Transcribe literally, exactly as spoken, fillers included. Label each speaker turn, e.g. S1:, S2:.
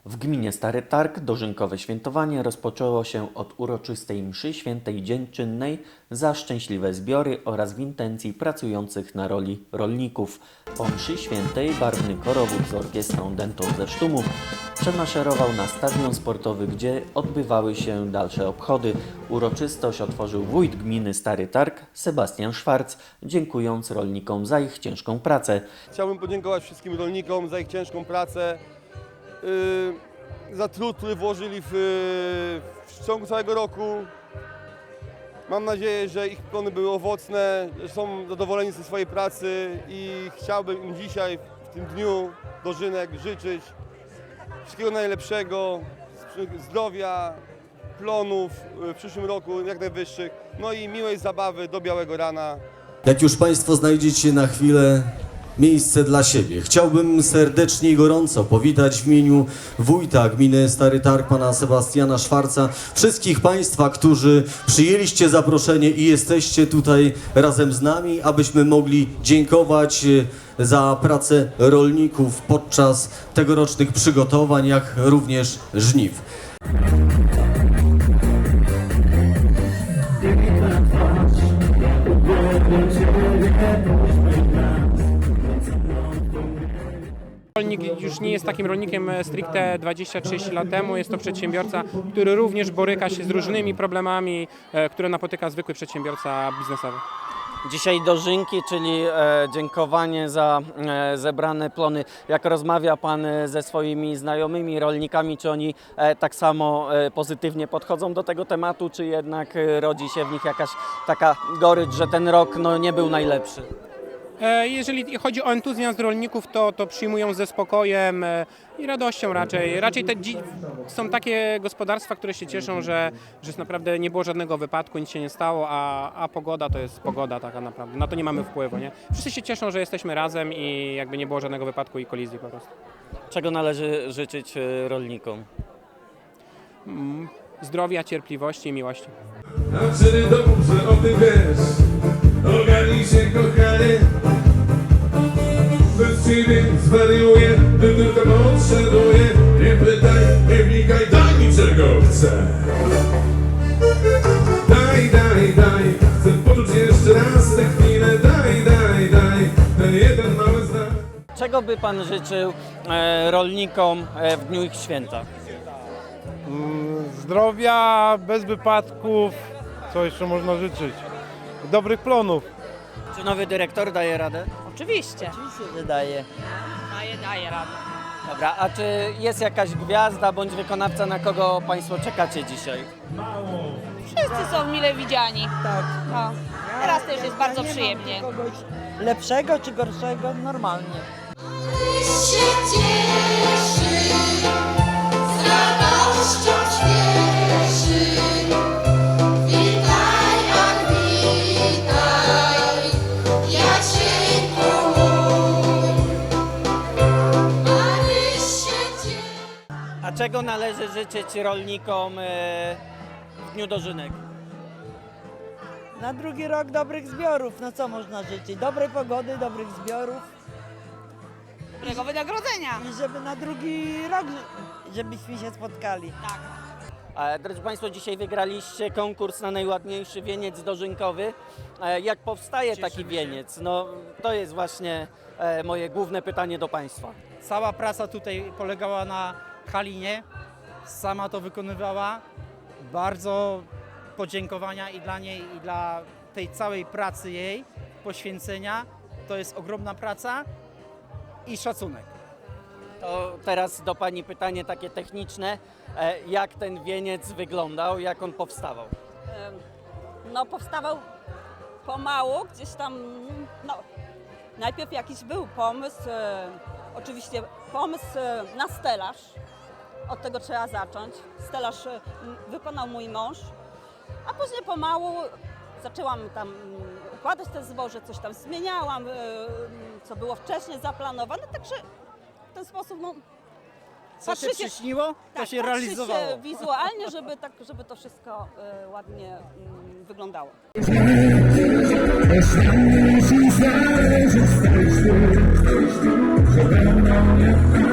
S1: W gminie Stary Targ dożynkowe świętowanie rozpoczęło się od uroczystej mszy świętej dziękczynnej za szczęśliwe zbiory oraz w intencji pracujących na roli rolników. Po mszy świętej barwny korowód z orkiestrą dętą ze Sztumu przemaszerował na stadion sportowy, gdzie odbywały się dalsze obchody. Uroczystość otworzył wójt gminy Stary Targ Sebastian Szwarc, dziękując rolnikom za ich ciężką pracę.
S2: Chciałbym podziękować wszystkim rolnikom za ich ciężką pracę, yy, za trud, który włożyli w, w ciągu całego roku. Mam nadzieję, że ich plony były owocne, że są zadowoleni ze swojej pracy i chciałbym im dzisiaj, w tym dniu dożynek, życzyć wszystkiego najlepszego, zdrowia, plonów w przyszłym roku jak najwyższych, no i miłej zabawy do białego rana.
S3: Jak już Państwo znajdziecie na chwilę miejsce dla siebie, chciałbym serdecznie i gorąco powitać w imieniu wójta gminy Stary Targ, pana Sebastiana Szwarca, wszystkich Państwa, którzy przyjęliście zaproszenie i jesteście tutaj razem z nami, abyśmy mogli dziękować za pracę rolników podczas tegorocznych przygotowań, jak również żniw.
S4: Rolnik już nie jest takim rolnikiem stricte dwadzieścia trzydzieści lat temu. Jest to przedsiębiorca, który również boryka się z różnymi problemami, które napotyka zwykły przedsiębiorca biznesowy.
S1: Dzisiaj dożynki, czyli e, dziękowanie za e, zebrane plony. Jak rozmawia Pan ze swoimi znajomymi rolnikami, czy oni e, tak samo e, pozytywnie podchodzą do tego tematu, czy jednak e, rodzi się w nich jakaś taka gorycz, że ten rok no, nie był najlepszy?
S4: Jeżeli chodzi o entuzjazm rolników, to, to przyjmują ze spokojem i radością raczej. Raczej te są takie gospodarstwa, które się cieszą, że, że naprawdę nie było żadnego wypadku, nic się nie stało, a, a pogoda to jest pogoda taka naprawdę. Na to nie mamy wpływu, nie? Wszyscy się cieszą, że jesteśmy razem i jakby nie było żadnego wypadku i kolizji po prostu.
S1: Czego należy życzyć rolnikom?
S4: Zdrowia, cierpliwości i miłości.
S5: A wtedy dobrze o tym wiesz, ogarnij się kochanie. Bez ciebie zwariuję, gdy tylko potrzebuję. Nie pytaj, nie wnikaj, daj mi czego chcę. Daj, daj, daj, chcę poczuć jeszcze raz tę chwilę. Daj, daj, daj, ten jeden mały znak.
S1: Czego by Pan życzył e, rolnikom e, w dniu ich święta?
S6: Zdrowia, bez wypadków, co jeszcze można życzyć? Dobrych plonów.
S1: Czy nowy dyrektor daje radę?
S7: Oczywiście.
S1: Oczywiście, że daje.
S7: Daje, daje radę.
S1: Dobra, a czy jest jakaś gwiazda bądź wykonawca, na kogo Państwo czekacie dzisiaj?
S7: Wszyscy są mile widziani. Tak. No. Teraz też jest bardzo przyjemnie.
S8: Kogoś lepszego czy gorszego, normalnie.
S9: się cieszy, z radością śpieszy. Witaj, ach witaj, Jacieńku mój. Maryś się cieszy.
S1: A czego należy życzyć rolnikom e, w dniu dożynek?
S8: Na drugi rok dobrych zbiorów, no co można życzyć? Dobrej pogody, dobrych zbiorów
S7: Dobrego wynagrodzenia.
S8: i żeby na drugi rok, żebyśmy się spotkali.
S7: Tak.
S1: E, drodzy Państwo, dzisiaj wygraliście konkurs na najładniejszy wieniec dożynkowy. E, jak powstaje taki wieniec? No, to jest właśnie e, moje główne pytanie do Państwa.
S10: Cała praca tutaj polegała na Halinie, sama to wykonywała. Bardzo podziękowania i dla niej, i dla tej całej pracy jej, poświęcenia. To jest ogromna praca i szacunek.
S1: To teraz do Pani pytanie takie techniczne. E, jak ten wieniec wyglądał, jak on powstawał?
S7: No powstawał pomału, gdzieś tam, no najpierw jakiś był pomysł, e, oczywiście pomysł e, na stelaż, od tego trzeba zacząć. Stelaż e, wykonał mój mąż, a później pomału zaczęłam tam mm, układać te zboże, coś tam zmieniałam, e, co było wcześniej zaplanowane, także w ten sposób, no,
S10: Co się przyśniło, to
S7: tak,
S10: się
S7: patrzy
S10: realizowało.
S7: się wizualnie, żeby, tak, żeby to wszystko e, ładnie mm, wyglądało.
S5: Że